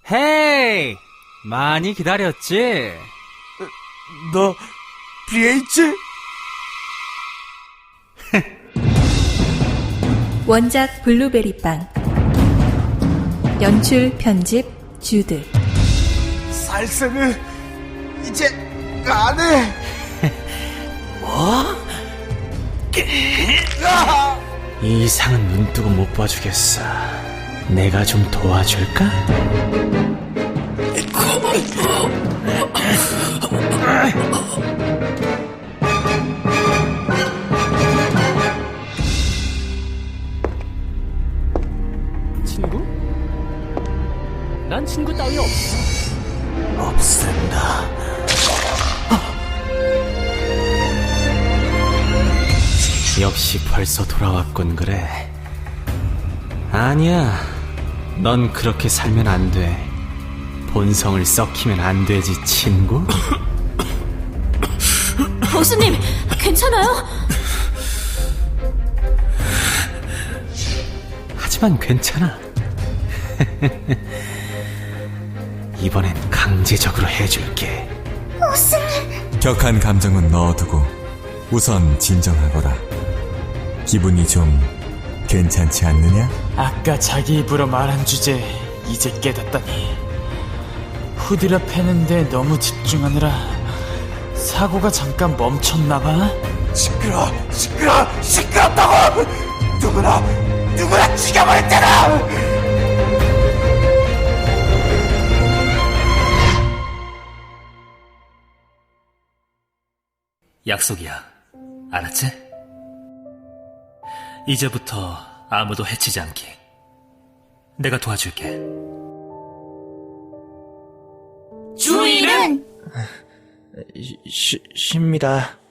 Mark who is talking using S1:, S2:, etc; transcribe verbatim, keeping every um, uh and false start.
S1: 헤이! 많이 기다렸지?
S2: 너 비에이치?
S3: 원작 블루베리빵, 연출 편집 주드.
S2: 살생을 이제 안 해.
S1: 뭐? 이 이상은 눈 뜨고 못 봐주겠어. 내가 좀 도와줄까? 친구? 난 친구 따위 없어.
S2: 없앤다.
S1: 역시 벌써 돌아왔군. 그래. 아니야, 넌 그렇게 살면 안 돼. 본성을 썩히면 안 되지, 친구.
S4: 보스님, 괜찮아요?
S1: 하지만 괜찮아. 이번엔 강제적으로 해줄게.
S5: 격한 감정은 넣어두고 우선 진정하거라. 기분이 좀 괜찮지 않느냐?
S6: 아까 자기 입으로 말한 주제 이제 깨닫다니. 후디라 패는데 너무 집중하느라 사고가 잠깐 멈췄나봐.
S2: 시끄러, 시끄러, 시끄럽다고! 누구나, 누구나 죽여버렸잖아!
S7: 약속이야. 알았지? 이제부터 아무도 해치지 않기. 내가 도와줄게.
S4: 주인은?
S2: 쉬, 쉽니다.